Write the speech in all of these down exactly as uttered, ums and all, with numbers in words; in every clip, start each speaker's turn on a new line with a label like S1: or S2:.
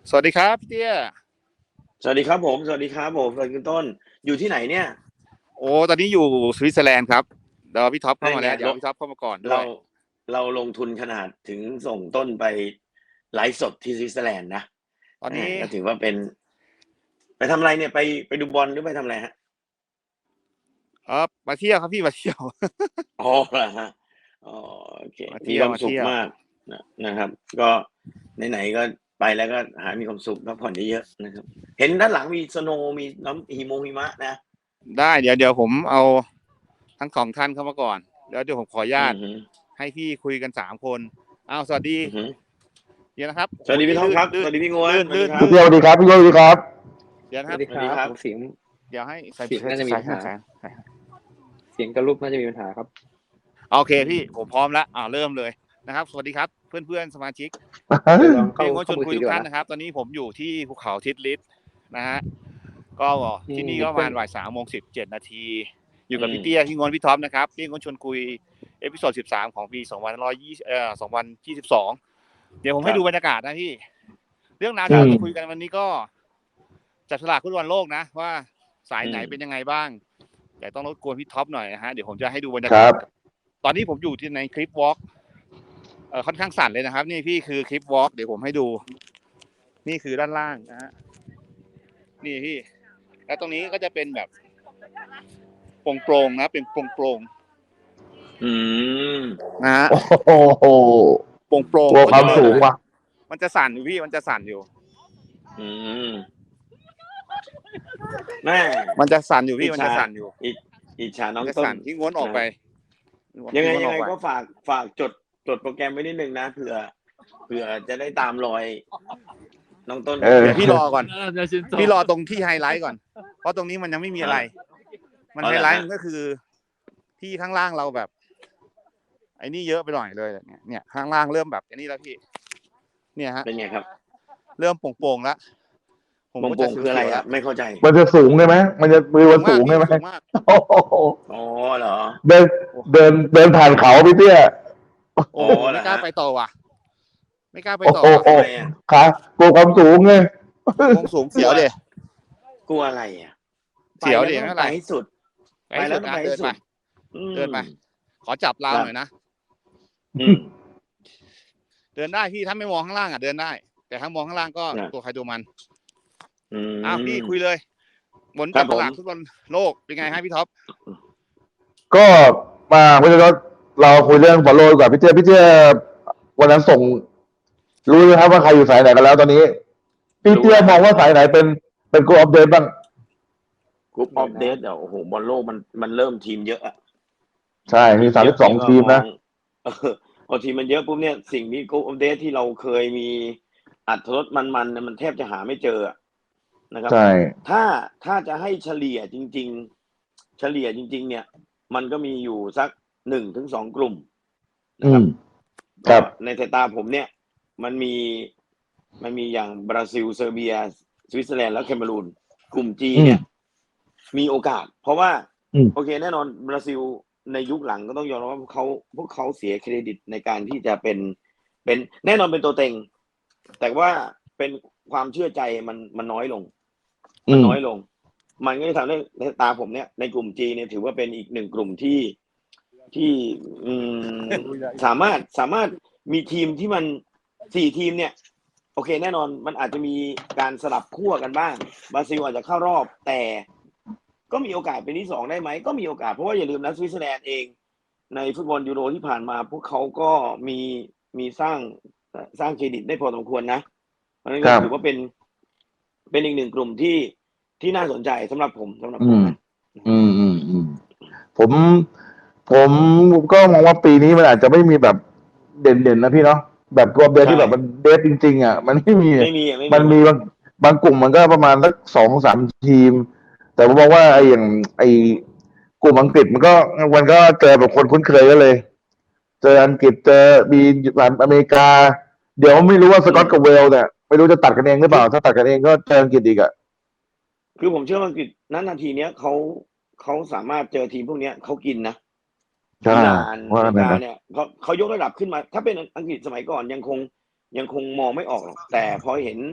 S1: สวัสดีครับพี่เตี้ย
S2: สวัสดีครับผมสวัสดีครับผมสวัสดีคุณต้นอยู่ที่ไหนเนี่ย
S1: โอ้ตอนนี้อยู่สวิตเซอร์แลนด์ครับเดี๋ยวพี่ท็อปเข้า
S2: นั่นไง
S1: มาแล้วเดี๋ยว
S2: เรา
S1: พี่ท็อปเข้ามาก่อนด้ว
S2: เรา
S1: ย
S2: เราลงทุนขนาดถึงส่งต้นไปไลฟ์สดที่สวิตเซอร์แลนด์นะ
S1: ตอนนี้
S2: ก็ถือว่าเป็นไปทำอะไรเนี่ยไปไปดูบอลหรือไปทำอะไรฮะ
S1: เออมาเที่ยวครับพี่มาเที่ยว
S2: อ๋อเหรอฮะอ๋อโอเค
S1: มาเที่ยว
S2: มีความ
S1: มาเที่ยว
S2: สุขมากนะนะครับก็ไหนๆก็ไปแล้วก็หามีความสุขพักผ่อนเยอะๆนะครับเห็นด้านหลังมีสโนว์มีน้ำหิมงหิมะนะ
S1: ได้เดี๋ยวเดี๋ยวผมเอาทั้งสองท่านเข้ามาก่อนแล้วเดี๋ยวผมขออนุญาต
S2: อือฮึ
S1: ให้พี่คุยกันสามคนอ้าวสวัสดี
S2: อือฮึ
S1: เดี๋ยวนะครับ
S2: สวัสดี
S1: เมื่อกี้
S2: พี่ท็อปครับส
S1: ลื่นลื่น
S2: วัสดีพี่งวน
S1: ลื่น
S2: สวัสดีครับ
S1: ลื่นลื่น
S3: พี่สวัสดีครับพี่โยสวัสดีครับ
S1: เดี๋ยวนะครับ
S4: สวัสดีครับ
S2: สวัสดีครับ
S4: เสียง
S1: เดี๋ยวให้ใส่
S4: เสียงน่าจะมี
S1: ใส่
S4: ปัญหา
S1: ใส่ใส่
S4: เสียงกับรูปน่าจะมีปัญหาครับ
S1: โอเคพี่ผมพร้อมแล้วอ่าเริ่มเลยนะครับสวัสดีครับเพื่อนๆสมาชิก
S4: เดี๋ยวลองเข้า
S1: พี่ก็ช
S4: เข้า
S1: วน
S4: มือ
S1: คุย
S4: ถือ
S1: ทุ
S4: ดี
S1: ก
S4: กว่า
S1: ท่าน
S4: นะ
S1: นะครับ ตอนนี้ผมอยู่ที่ภูเขาทิดลิสนะฮะก็ที่นี่ก็ประมาณบ่ายสามโมงสิบเจ็ดนาทีอยู่กับพี่เตี้ยพี่งอนพี่ท็อปนะครับพี่งอนชวนคุยเอพิโซดสิบสามของปีสองพันร้อยยี่เอ่อสองพันยี่สิบสองเดี๋ยวผมให้ดูบรรยากาศนะพี่เรื่องราวที่เราจะคุยกันวันนี้ก็จับฉลากฟุตบอลโลกนะว่าสายไหนเป็นยังไงบ้างแต่ต้องรบกวนพี่ท็อปหน่อยนะฮะเดี๋ยวผมจะให้ดูบรรยากาศตอนนี้ผมอยู่ที่ในคลิปวอล์กเอ่อค่อนข้างสั่นเลยนะครับนี่พี่คือคลิปวอล์กเดี๋ยวผมให้ดูนี่คือด้านล่างนะฮะนี่พี่แล้วตรงนี้ก็จะเป็นแบบโปร่งๆนะเป็นโปร่ง
S2: อืม
S1: ๆนะฮะ
S3: โอ้โห
S1: โปร่ง
S3: กลัว
S1: ๆ
S3: ความสูงว่ะ
S1: มันจะสั่นอยู่พี่มันจะสั่นอยู่
S2: อืมแม่
S1: มันจะสั่นอยู่พี่มันจะสั่นอยู่
S2: อิอิจฉาน้อง
S1: มันจะ
S2: ต้น
S1: สั่นที่ง้วนออกไป
S2: ยังไง
S1: ที่
S2: ยัง
S1: วนอ
S2: ไง
S1: อป
S2: ก็ฝากฝากจดจดโปรแกรมไว้นิดนึงนะเผื่อเผื่อจะได้ตามรอยน้องต้น
S3: เออ
S1: เดี๋ยวพี่รอก่อนพี่รอตรงที่ไฮไลท์ก่อนเพราะตรงนี้มันยังไม่มีอะไร มันไฮไลท์มันก็คือ ที่ข้างล่างเราแบบ ไอ้นี่เยอะไปหน่อยเลยเนี่ยเนี่ยข้างล่างเริ่มแบบไอ้นี่แล้วพี่ เนี่ยฮะ
S2: เป็นไงครับ
S1: เริ่มโป่งๆแล้ว
S2: โป่งๆคืออะไรอ่ะไม่เข้าใจ
S3: มันจะสูงใช่ไหมมันจะมือมันสูงใช่ไหม
S1: สูงมาก
S3: โอ้โห
S2: อ๋อเหรอ
S3: เดินเดินเดินผ่านเขาพี่เตี้ย
S1: โอ้ไม่กล้าไปต่อว่ะ ไม่กล้าไป
S3: โอ้
S1: ต่อ
S3: โห
S2: ทำไมอ่ะ
S3: ขากลัวความสูงไง
S1: วงสูงเสียวเด
S2: กลัวอะไรอ่ะ
S1: เสียวดิ
S2: ไป
S1: ไม่
S2: แล้ว
S1: เป็นไร
S2: ไปให้สุด
S1: ไปให้สุดนะ
S2: ไปแล้ว
S1: เดิน
S2: ต้องไปให้สุ
S1: ไป
S2: ด อืม
S1: เดินไป ขอจับราวหน่อยนะ
S2: อืม
S1: เดินได้พี่ถ้าไม่มองข้างล่างอ่ะเดินได้ แต่ถ้ามองข้างล่างก็
S2: นะ
S1: ตัวใครตัวมัน
S2: อืม
S1: อ้าวพี่คุยเลยผล
S2: ครั
S1: จับบ
S2: ผม
S1: ตลาดฟุตบอลโลกเป็นไงฮะพี่ท็อป
S3: ก็มาพี่เตี้ยเราคุยเรื่องบอลโลกดีกว่าพี่เตี้ยพี่เตี้ยวันนั้นส่ง รู้ไหมครับว่าใครอยู่สายไหนกันแล้วตอนนี้พี่เตี้ยมองว่าสายไหนเป็นเป็นกูอัปเดตบ้าง
S2: กรุ๊ปออฟเดทเดี๋ยวโอ้โหบอลโลกมันมันเริ่มทีมเยอะอะ
S3: ใช่มีสามสิบสองทีมนะ
S2: เออพอทีมมันเยอะปุ๊บเนี่ยสิ่งที่กรุ๊ปออฟเดทที่เราเคยมีอัตรสมันๆเนี่ยมันแทบจะหาไม่เจออะนะครับ
S3: ใช่
S2: ถ้าถ้าจะให้เฉลี่ยจริง ๆ เฉลี่ยจริง ๆ เนี่ย มันก็มีอยู่สักหนึ่งถึงสองกลุ่มนะ
S3: อื
S2: ครับ
S3: ม ครับ
S2: ในสายตาผมเนี่ย มันมีมันมีอย่างบราซิลเซอร์เบีย สวิตเซอร์แลนด์แล้วแคเมรูนกลุ่มจีเนี่ย มีโอกาส เพราะว่า
S3: อืม
S2: โอเคแน่นอนบราซิลในยุคหลังก็ต้องยอมรับว่าพวกเขาพวกเขาเสียเครดิตในการที่จะเป็นเป็นแน่นอนเป็นตัวเต็ง แต่ว่าเป็นความเชื่อใจมันมันน้อยลง
S3: อื
S2: มัน
S3: ม
S2: น้อยลง มันก็จะทำให้ในตาผมเนี่ยในกลุ่มจีเนี่ยถือว่าเป็นอีกหนึ่งกลุ่มที่ที่อืมสามารถสามารถมีทีมที่มันสี่ทีมเนี่ย โอเคแน่นอนมันอาจจะมีการสลับขั้วกันบ้างบราซิลอาจจะเข้ารอบ แต่ก็มีโอกาสเป็นที่สองได้ไหมก็มีโอกาสเพราะว่าอย่าลืมนะสวิตเซอร์แลนด์เอง ในฟุตบอลยูโรที่ผ่านมา พวกเขาก็มีมีสร้างสร้างเครดิตได้พอสมควรนะเพราะฉะนั้นก็ถือว่าเป็น เป็นอีกหนึ่งกลุ่มที่ที่น่าสนใจสำหรับผมสำหรับผมนะ
S3: อืมอืมอืมผม ผมก็มองว่าปีนี้มันอาจจะไม่มีแบบเด่นๆนะพี่เนาะแบบตัวเดทที่แบบมันเดทจริงๆอ่ะมันไม่มี
S2: ไม่มีอ่ะไม่มี
S3: มันมีบางบางกลุ่มมันก็ประมาณสักสองสามทีม แต่ผมมองว่าไอ้อย่างไอ้กลุ่มอังกฤษมันก็มันก็เจอแบบคนคุ้นเคยกันเลย เจออังกฤษเจอมีสหรัฐอเมริกา เดี๋ยวไม่รู้ว่าสกอตกับเวลส์เนี่ยไม่รู้จะตัดกันเองหรือเปล่า ถ้าตัดกันเองก็เจออังกฤษอีกอ่ะ
S2: คือผมเชื่อว่าอังกฤษณนาทีเนี้ยเขาเขาสามารถเจอทีมพวกเนี้ยเขากินนะ
S3: ใช่
S2: อิหร่าน
S3: ว่า
S2: อ
S3: กั
S2: เม
S3: น
S2: ริ
S3: ไป
S2: กา
S3: นะ
S2: เนี่ยเขาเขายกระดับขึ้นมา ถ้าเป็นอังกฤษสมัยก่อนยังคงยังคงมองไม่ออกหรอกแต่พอเห็น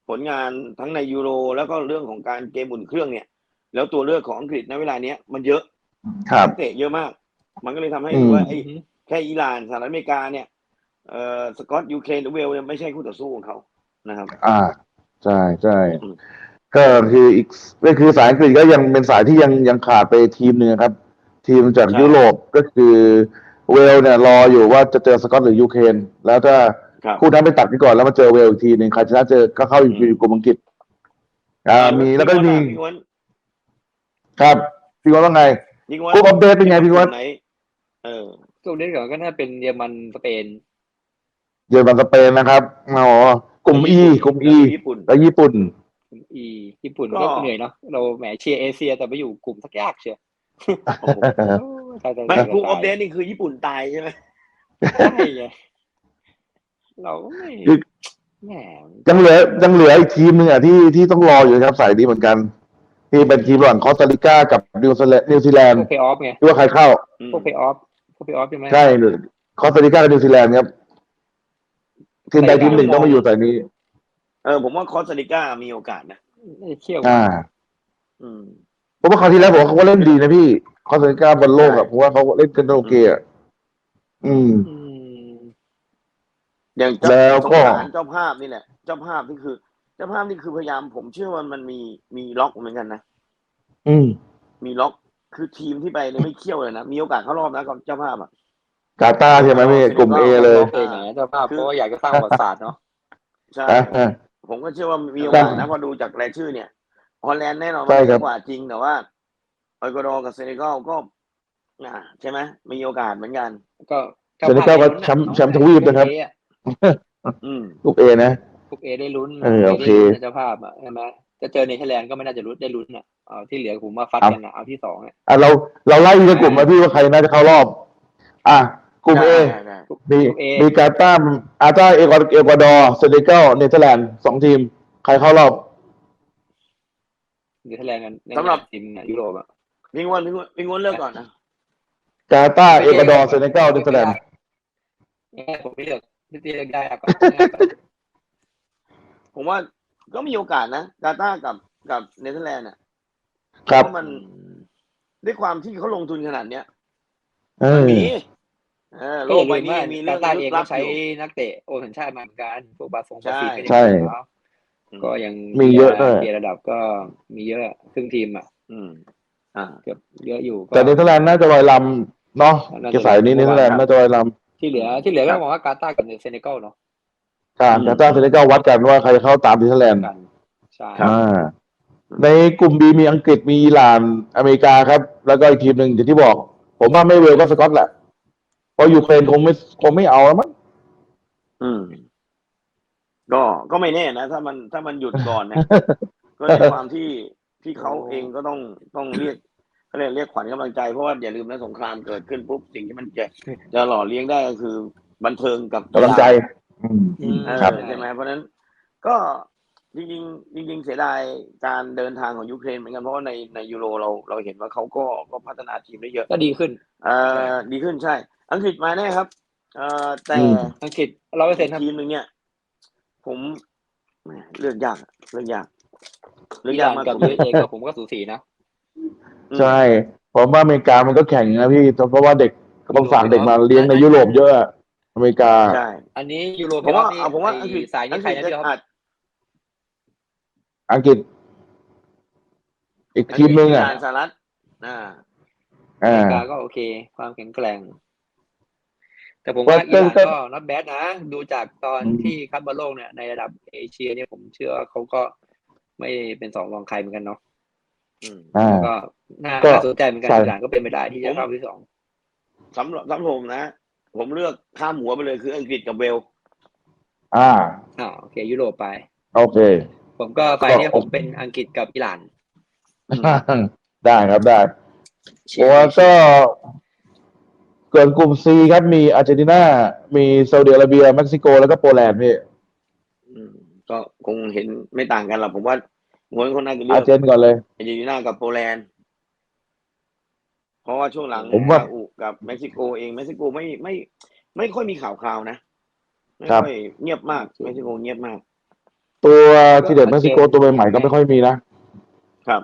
S2: ผลงานทั้งในยูโรแล้วก็เรื่องของการเกมอุ่นเครื่องเนี่ย แล้วตัวเลือกของอังกฤษในเวลาเนี้ยมันเยอะ
S3: ครับ
S2: นักเตะเยอะมาก มันก็เลยทำให้
S3: อืม
S2: รู้ว่าไอ้แค่อิหร่านสหรัฐอเมริกาเนี่ยเอ่อสกอตยูเครนหรือเวลเนี่ยไม่ใช่คู่ต่อสู้ของเขานะครับ
S3: อ่าใช่ใช่
S2: อืม
S3: ก็คืออีกก็คือสายอังกฤษก็ยังเป็นสายที่ยังยังขาดไปทีมหนึ่งครับ ทีมจาก
S2: ใช่
S3: ยุโรปก็คือเวลเนี่ยรออยู่ว่าจะเจอสกอตหรือยูเครนแล้วถ้า
S2: ครับ
S3: คู่นั้นไปตัดกันก่อนแล้วมาเจอเวลอีกทีหนึ่งใครชนะเจอก็เข้าอยู่
S2: อืม
S3: กลุ่มอังกฤษอ่ามีแล้วก็มี
S2: พี่ง้วน
S3: ครับพี่ว่าว่าไง
S2: พี่ง้วน
S3: กลุ่มอัปเดตเป็นไงพี่ง้วน
S2: ไหนเออ
S4: กลุ่มนี้ก่อนก็น่าเป็นเยอรมันสเปน
S3: เยอรมันสเปนนะครับอ๋อกลุ่ม E กลุ่ม E
S2: ญี่ปุ่น
S3: แล้วญี่ปุ่น
S4: กลุ่มอีญี่ปุ่น
S2: ก็
S4: ก็เหนื่อยเนาะเราแหมเชียร์เอเชียแต่ไปอยู่กลุ่มสักยากเชียว
S2: โอ้โห
S4: โอ้ยตายตาย
S2: ไม่
S4: ตาย
S2: กลุ่มอัปเด
S4: ตาย
S2: ตนี่คือญี่ปุ่นตายใช่ไหม
S4: ใช่ไงเราก็ไม่
S3: คือ
S4: แหม
S3: ยังเหลือยังเหลืออีกทีมหนึ่งอ่ะที่ที่ต้องรออยู่นะครับสายนี้เหมือนกัน ที่เป็นทีมระหว่างคอสตาริกากับนิวซีแลนด์นิวซีแลน
S4: พ
S3: ด์
S4: วกเพย์ออฟไง
S3: ที่ว่าใครเข้า
S2: อืม
S4: พวกเพย์ออฟพวกเพย์ออฟใช่ไหม
S3: ใช่คอสตาริกากับนิวซีแลนด์ครับทีมใดทีมหนึ่งต้องมาอยู่สายนี้
S2: เออผมว่าคอสตาริกามีโอกาสนะ
S4: ไม่ได้เที่ยว
S3: อ่า
S2: อืม
S3: เพราะว่าคราวที่แล้วผมว่าเขาก็เล่นดีนะพี่คอสตาริกาบอลโลกอ่ะ
S2: ใช่
S3: ผมว่าเขาเล่นกันโอเคอ่ะอืม
S4: อืม
S2: อย่างเจ้า
S3: แล้ว
S2: สง
S3: ก็
S2: สารเจ้าภาพนี่แหละ เจ้าภาพนี่คือ เจ้าภาพนี่คือพยายามผมเชื่อว่ามันมีมีล็อกเหมือนกันนะ
S3: อืม
S2: มีล็อกคือทีมที่ไปเนี่ยไม่เคี่ยวเลยนะ มีโอกาสเข้ารอบนะกับเจ้าภาพอ่ะ
S3: กาตาร์ใช่ไหมพี่กลุ่มเอเลย
S4: โอเคไหนเจ้าภาพเพราะว่าอยากจะสร้างประวัติศาสตร์เนาะ
S2: ใช่
S3: อ่ะอ่ะ
S2: ผมก็เชื่อว่ามีโอกาสนะพอดูจากรายชื่อเนี่ยฮอลแลนด์แน่นอน
S3: ใช่
S2: ว่า
S3: ครั
S2: ดี
S3: บ
S2: กว่าจริงแต่ว่าเอกวาดอร์กับเซเนกัลก็อ่าใช่ไหมมีโอกาสเหมือนกัน
S4: ก็
S3: เซเนกัลก็แชมป์แชมป์ทวีปนะครับ
S2: อืม
S3: กลุ่มเอนะ
S4: กลุ่มเอได้ลุ้น
S3: เออโอเค
S4: ได้ลุ้นนะเจ้าภาพอ่ะใช่ไหมจะเจอเนเธอร์แลนด์ก็ไม่น่าจะลุ้นได้ลุ้นอ่ะเอาที่เหลือผมมาฟัดกันอ่ะเอาที่สองอ่ะ
S3: อ่ะเราเราไล่ในกลุ่มมาพี่ว่าใครน่าจะเข้ารอบ อ่ะกลุ่มเอ
S2: ได้ได้
S3: มี
S4: กลุ่ม A
S3: มีกาตาร์อาร์ตาเอกวาเอกวาดอร์เซเนกัลเนเธอร์แลนด์สองทีม ใครเข้ารอบ
S4: เนเธอร์แลนด์กัน
S2: สำหรับ
S4: ทีมยุโรปอ่ะ
S2: พิงวนพิงวนพิงวนเลิกก่อนนะ
S3: กาตาร์เอกวาดอร์เซเนกัลเนเธอร์แลนด์
S4: ง่ายผมไม่เลือกพี่ตีเลือกได้ก่อน
S2: ผมว่าก็มีโอกาสนะกาตาร์กับกับเนเธอร์แลนด์อ่ะ
S3: ครับ
S2: เพราะมันด้วยความที่เขาลงทุนขนาดเนี้ย
S3: เอ
S2: มัน
S3: อ
S2: มีเออโล
S4: ก็อก ย่า
S2: ใบ
S4: ลืม
S2: นี้
S4: ว่า
S2: มี
S4: กา
S2: เรื่อง
S4: ตาร์
S2: ลึ
S4: เอก ง
S2: ลั
S4: ก็
S2: บ
S4: ใช้
S2: อยู่
S4: นักเตะโอสัญชาติมาเหมือนกันพวกบาสง
S2: ใช่
S4: บาซีก็ยัง
S3: ใช่
S4: มีแล้วก็ยัง
S3: มีเยอะด้วย
S4: เกียร์ระดับก็มีเยอะครึ่งทีมอ่ะ
S2: อืมอ่า
S4: เกือบเยอะอยู่ก็
S3: แต่เนเธอร์แลนด์น่าจะลอยลำเนาะเกสายนี้เนเธอร์แลนด์น่าจะลอยล
S4: ที่เหลือที่เหลือก็มองว่ากาตาร์กับเซเนกัลเนาะ
S3: ำอ่ากาตาร์เซเนกัลวัดกันว่าใครจะเข้าตามเนเธอร์แลนด์
S4: กันใช่
S3: อ่า ในกลุ่มบีมีอังกฤษมีอิหร่านอเมริกาครับ แล้วก็อีกทีมหนึ่งอย่างที่บอก ผมว่าไม่เวลก็สกอตแหละเพราะยูเครนคงไม่คงไม่เอาแล้วมั้ง
S2: อืม ก็ก็ไม่แน่นะ ถ้ามันถ้ามันหยุดก่อนนะ ก็ในความที่ที่เขาเองก็ต้องต้องเรียกเขาเรียกเรียกขวัญกำลังใจเพราะว่าอย่าลืมนะสงครามเกิดขึ้นปุ๊บสิ่งที่มันจะจะหล่อเลี้ยงได้ก็คือบันเทิงกับ
S3: กำลังใจ อืม
S4: อืม
S2: เออ
S3: ครับ
S2: ใช่ไหมเพราะฉะนั้น ก็จริงๆจริงๆเสียดายการเดินทางของยูเครนเหมือนกันเพราะว่าในในยูโรเราเราเห็นว่าเขาก็ก็พัฒนาทีมได้เยอะ
S4: ก็ดีขึ้น
S2: เอ่อดีขึ้นใช่ อังกฤษมาแน่ครับเอ่อแต่
S3: อืม
S4: อังกฤษร้อยเปอร์เซ็นต์ครับ
S2: ทีมหนึ่งเนี่ย ผมแหมเลือกยากอะเลือกยากเลือก
S4: อิห
S2: ยาก
S4: ร่าน
S2: มาก
S4: กับ
S2: สุด
S4: ยูเอสเอก็ผมก็สูสีนะ
S3: ใช่ ผมว่าอเมริกามันก็แข่งนะพี่ เพราะว่าเด็กต้องฝากเด็กมาเลี้ยงในยุโรปเยอะ อเมริกา
S2: ใช่
S4: อันนี้ยูโร
S2: ผมว่า
S4: นี่
S2: เอาผมว่าอังกฤษ
S4: สายนี้ใครนะ
S2: อังกฤษ
S4: พี่ครับ
S2: อาจ
S3: อังกฤษ อีกทีมหนึงอ่ะ
S2: อิหร่านสหรัฐอ่า
S4: อ
S3: อ่า
S4: เมริกาก็โอเค ความแข็งแกร่ง แต่ผมว่า
S3: ว่า
S4: อิหร่าน
S3: ก็
S4: ก็นับแบดนะ ดูจากตอน
S3: อืม
S4: ที่คัดบอลโลกเนี่ยในระดับเอเชียเนี่ยผมเชื่อว่าเขาก็ไม่เป็นสองรองใครเหมือนกันเนาะ
S2: อืม
S3: อ่า
S4: แล้วก็น่า
S3: ก็
S4: น่าสนใจเหมือนกัน
S3: ใช่
S4: อิหร่านก็เป็นไปได้ที่จะเข้าที่สอง
S2: สำหรับสำหรับผมนะ ผมเลือกข้ามหัวไปเลยคืออังกฤษกับเวลส์
S3: อ่า
S4: อ่าโอเค ยุโรปไป
S3: โอเค
S4: ผมก็ไฟเนี่ยผมเป็นอังกฤษกับอิหร่าน
S3: ได้ครับได้โอ้ก็เกินกลุ่ม C ครับมีอาร์เจนตินา มีซาอุดิอาระเบีย เม็กซิโก แล้วก็โปแลนด์พี่
S2: อืมก็คงเห็นไม่ต่างกันหรอกผมว่าม้วนคนน่าจะเลื
S3: อา
S2: อก
S3: ร์เจนก่อนเลย
S2: อาร์เจนตินากับโปแลนด์เพราะว่าช่วงหลัง
S3: ผมว่า
S2: ซาอุกับเม็กซิโกเองเม็กซิโกไม่ไม่ ไม่ค่อยมีข่าวคราวนะไม่
S3: ครับ
S2: ค่อยเงียบมากเม็กซิโกเงียบมาก
S3: โปตัวที่เด็ดเม็กซิโกตัวใหม่ๆก็ไม่ค่อยมีนะครับ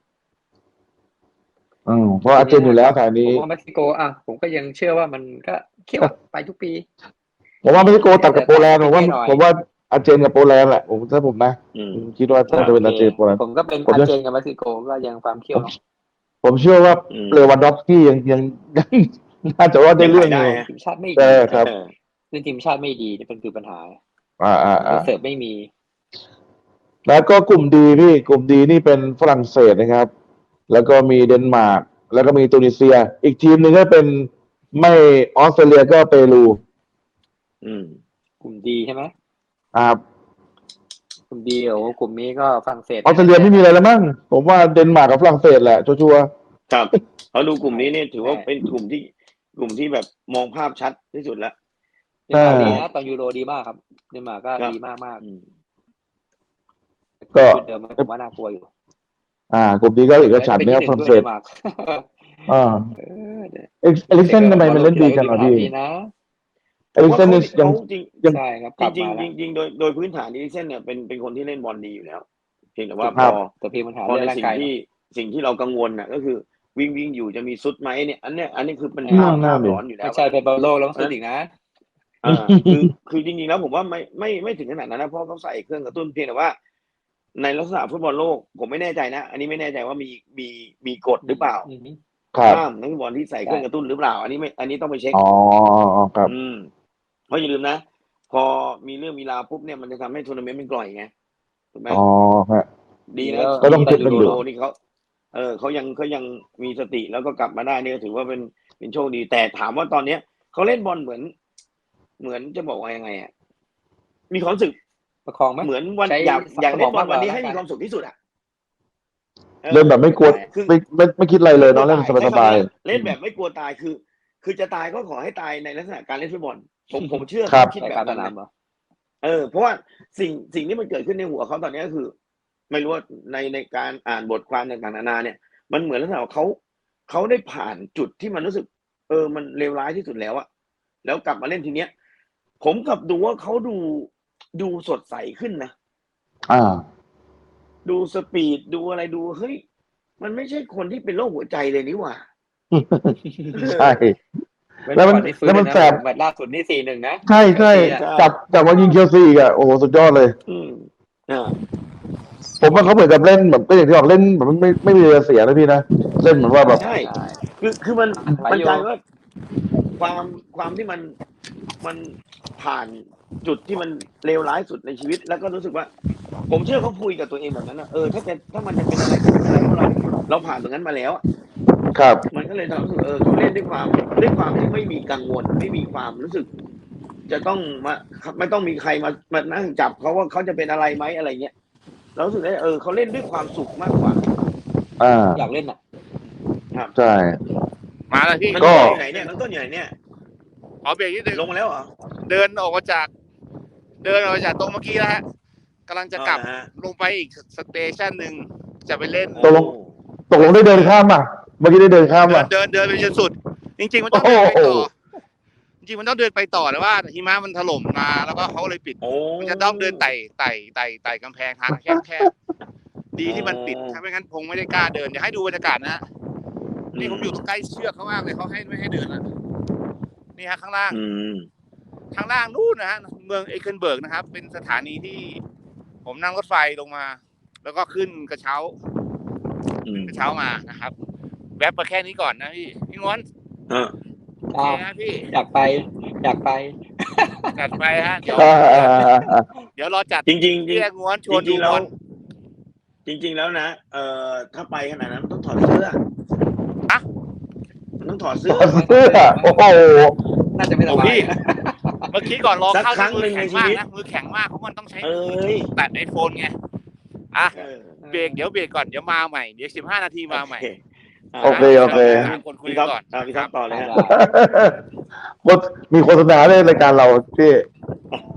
S3: อืมเพราะอาร์เจนอยู่แล้วสาย
S4: ผม
S3: นี้
S4: ว่าเม็กซิโกอ่ะผมก็ยังเชื่อว่ามันก็เขี้ยวไปทุกปี
S3: ผมว่าเม็กซิโกตัดกับโปแลนด์ผมว่า
S4: นิดหน่อย
S3: ผมว่าอาร์เจนกับโปแลนด์แหละผมถ้าผมนะ
S2: อืม
S3: คิดว่าถ้าจะเป็นอาร์เจนโปแลนด์
S4: ผมก็เป็น
S3: ผม
S4: อา
S3: จะ
S4: ร์เจนกับเม็กซิโกก็ยังความเขี้ยวเนาะ
S3: ผมเชื่อว่า
S2: อืม
S3: เลวันดอฟสกี้ยังยังยังน่าจะว่าได้เรื่อง
S2: ยัง
S3: อ
S2: ขาย
S3: ยู่
S2: ได้
S4: ทีมชาติไม่
S3: เอ
S4: ดี
S3: อครับ
S2: เออ
S4: ซึ่งทีมชาติไม่ดีนี่เป็นคือปัญหา
S3: อ่าอ่าอ่า
S4: เสิร์ฟไม่มี
S3: แล้วก็กลุ่มดีพี่กลุ่มดีนี่เป็นฝรั่งเศสนะครับ แล้วก็มีเดนมาร์กแล้วก็มีตูนิเซีย อีกทีมหนึ่งก็เป็นไม่ออสเตรเลียก็เปรู
S2: อืม
S4: กลุ่มดีใช่ไหม
S3: ครับ
S4: กลุ่มดีโอ้กลุ่มนี้ก็ฝรั่งเศส
S3: ออสเตรเลียไม่มีอะไรแล้วมั้งผมว่าเดนมาร์กกับฝรั่งเศสแหละชัวร์
S2: ครับเขาดูกลุ่มนี้เนี่ยถือว่าเป็นกลุ่มที่กลุ่มที่แบบมองภาพชัดที่สุดแล้ว
S4: เดนมาร์กดีนะตอนยูโรดีมากครับเดนมาร์กก็
S2: ครับ
S4: ดีมากมาก
S2: อืม
S3: ๆก็
S4: ชุดเดิมผมว่าน่ากลัวอยู่
S3: อ่ากลุ่มนี้ก็อีกกระฉันเนี่ยฝรั่งเศส
S4: ดนมาร์ก
S3: อ่า
S4: เออเดี๋ยว
S3: เอ็กเอลิกเซนทำไมมันเล่นดีจังอ่ะพี่
S4: ดีนะ
S3: เอลิกเซนนี่ยัง
S2: เขาจริง
S3: ยัง
S4: ใช่ครับก
S2: จ
S4: ลับ
S2: ริง
S4: มา
S2: ๆ
S4: แล้ว
S2: จริงๆโดยโดยพื้นฐานอีลิกเซนเนี่ยเป็นเป็นคนที่เล่นบอลดีอยู่แล้วเพียงแต่ว่า
S3: ค
S2: พ
S3: รั
S2: อบ
S4: แต่เพียงปัญหา
S2: พอ
S4: เรื่อง
S2: ใน
S4: ร่าง
S2: สิ่ง
S4: กาย
S2: ที่สิ่งที่เรากังวลน่ะก็คือวิ่งวิ่งอยู่จะมีซุดไหมเนี่ยอันเนี้ยอันนี้คือเป็น
S3: อืม
S2: ภาพ
S3: นั่
S2: ภาน พ
S3: ดิ
S2: ร้อนอยู่แล้ว
S4: ไม่ใช่เป็นบอลโลกแล้วสุดอีกนะ
S2: อ่าคือคือจริงๆแล้วผมว่าไม่ไม่ไม่ถึงขนาดนั้นนะเพราะเขาใส่เครื่องกระตุ้นเพียงแต่ว่า ในลักษณะฟุตบอลโลกผมไม่แน่ใจนะ อันนี้ไม่แน่ใจว่ามีมีมีกฎหรือเปล่า
S4: อืม
S3: ครับ
S2: ห้ามนักฟุตบอลที่ใส่เครื่องกระตุ้นหรือเปล่า อันนี้ไม่อันนี้ต้องไปเช็ค
S3: อ๋อครับ
S2: อืมเพราะอย่าลืมนะ พอมีเรื่องมีราวปุ๊บเนี่ยมันจะทำให้ทัวร์นาเมนต์มันกล่อยไงถูกไหม
S3: อ๋อฮะ
S2: ดีนะ
S3: ก็ต้องคิด
S2: ที่
S3: กัน
S2: ยู
S3: อยู่
S2: โรนี่เขาเออเขายังเขายังมีสติแล้วก็กลับมาได้นี่ก็ถือว่าเป็นเป็นโชคดี แต่ถามว่าตอนเนี้ยเขาเล่นบอลเหมือน เหมือนจะบอกว่ายังไงอ่ะมีความรู้สึก
S4: ประคองไหม
S2: เหมือนวัน
S4: ใช้
S2: อยากอยากเล่นบอล
S4: สมองมากกว่า
S2: วันนี้ให้
S4: ร่างกาย
S2: มีความสุขที่สุดอ่ะออ
S3: เล่นแบบไม่กลัว
S2: คือ
S3: ไม่ไม่ไม่คิดอะไรเลยเนาะเล่นสบาย
S2: เล่นแบบไม่กลัวตายคือ คือจะตายก็ขอให้ตายในลักษณะการเล่นฟุตบอลผมผมเชื่อ
S3: ครับ
S2: คิด
S4: ใส่
S2: แบ
S4: การ
S2: บ
S4: ส
S2: นั้น
S4: นาม
S2: นะ
S4: เหรอ
S2: เออเพราะว่าสิ่งสิ่งที่มันเกิดขึ้นในหัวเขาตอนนี้ก็คือ ไม่รู้ว่าในในการอ่านบทความต่างๆนานาเนี่ย มันเหมือนลักษณะว่าเขาเขาได้ผ่านจุดที่มันรู้สึก เออมันเลวร้ายที่สุดแล้วอะแล้วกลับมาเล่นทีเนี้ย ผมกลับดูว่าเขาดูดูสดใสขึ้นนะ
S3: ๆอ่า
S2: ดูสปีดดูอะไรดูเฮ้ยมันไม่ใช่คนที่เป็นโรคหัวใจเลยนี่หว่า
S3: ใช่ แล้วมัน
S4: ก่อที่ฟื้
S3: แล้วมัน
S4: เยะ
S3: แสบ
S4: แมตช์ล่าสุดนี่สี่หนึ่งนะ
S3: ใช่ใช่
S4: เชลซีอะ
S3: จับจับมายิงเชลซีอีกอ่ะโอ้โหสุดยอดเลย
S2: อืมอ่า
S3: ผมว่าเขาเหมือนกับเล่นแบบก็อย่างที่บอกเล่นแบบไม่ไม่มีเรือเสียนะพี่นะเล่นเหมือนว่าแบบ
S2: ใช่ คือคือมัน
S4: ไป
S2: มัน
S4: อยู่
S2: กลายว่าความความที่มันมันผ่านจุดที่มันเลวร้ายสุดในชีวิต แล้วก็รู้สึกว่า ผมเชื่อเขาคุยกับตัวเองแบบนั้นนะเออถ้าจะถ้ามันจะเป็นอะไรก็เป็นอะไรเพราะเราเราผ่านตรงนั้นมาแล้วอะ
S3: ครับ
S2: มันก็เลยทำให้รู้สึกเออเขาเล่นด้วยความด้วยความที่ไม่มีกังวล ไม่มีความรู้สึก จะต้องมาไม่ต้องมีใครมามานั่งจับเขาว่าเขาจะเป็นอะไรไหมอะไรเงี้ยเรารู้สึกได้เออเขาเล่นด้วยความสุขมากกว่า
S3: อ่า
S4: อยากเล่นอ่ะ
S3: ใช่
S1: มาแล้วพี่
S2: น้อง
S3: ก็
S2: ต้นอยู่ไหนเนี่ยน้องต้นอยู่ไหนเนี่ย
S1: ขอเบรกนิดนึง
S2: ลงมาแล้วเหรอ
S1: เดินออกมาจาก เดินออกมาจากตรงเมื่อกี้แล้วฮะกำลังจะกลับ
S2: อ๋อนะฮะ
S1: ลงไปอีกสเตชันหนึ่งจะไปเล่น
S3: ตกลง ตกลงได้เดินข้ามป่ะเมื่อกี้ได้เดินข้าม
S1: เดิ
S3: ป่ะ
S1: นเดินเดินไปจนสุด จริง ๆ มันต้องเดินไป
S3: โอ้
S1: ต่อ
S3: โห
S1: จริงๆมันต้องเดินไปต่อแต่ว่าหิมะมันถล่มมาแล้วก็เขาเลยปิด
S2: โอ้
S1: มันจะต้องเดินไต่ไต่ไต่ไต่กำแพงทางแคบแคบดีที่มันปิดถ้าไม่งั้นคงไม่ได้กล้าเดินเดี๋ยวให้ดูบรรยากาศนะฮะนี่ผมอยู่ตรงใกล้เชือกเขามากเลยเขาให้ไม่ให้เดินแล้วนี่ฮะข้างล่าง
S2: อืม
S1: ข้างล่างนู่นนะฮะเมืองเอเคินเบิร์กนะครับ เป็นสถานีที่ผมนั่งรถไฟลงมา แล้วก็ขึ้นกระเช้า
S2: อืม
S1: กระเช้ามานะครับแวบมาแค่นี้ก่อนนะพี่พี่ง้วน
S2: อ่า
S1: โอเคนะพี่
S4: อยากไป อยากไป
S1: จัดไปฮะเดี๋ยว
S3: อ่าอ่าอ่าอ่า
S1: เดี๋ยวรอจัด
S2: จริงจริงจริง
S1: เรียกง้วนชวน
S2: จริ
S1: ดู
S2: งๆแล้ว
S1: บอล
S2: จริง ๆ แล้วนะเอ่อถ้าไปขนาดนั้นต้องถอดเสื้อ
S1: อะ
S2: มันต้องถอดเสื้อ
S3: เสื้อโอ้โห
S4: น่าจะไม่ส
S1: โอ้
S4: บาย
S1: พี่ เมื่อกี้ก่อนรอ
S2: สัก
S1: เข้า
S2: ครั้ง
S1: มือแข็ง
S2: หนึ่งในชี
S1: มาก
S2: วิต
S1: นะมือแข็งมากเพราะมันต้องใช้
S2: เอ้ย
S1: แตะไอโฟนไงอ่ะ
S2: เออ
S1: เบรกเดี๋ยวเบรกก่อนเดี๋ยวมาใหม่เดี๋ยวสิบห้านาทีมาใหม่
S3: โอเคโอเค
S1: สามคนคุย
S2: พี่ท็อป
S1: ก่อน
S2: อ่าพี่ท็อปต่อเลยฮะ
S3: โฆษมีโฆษณาในรายการเราพี่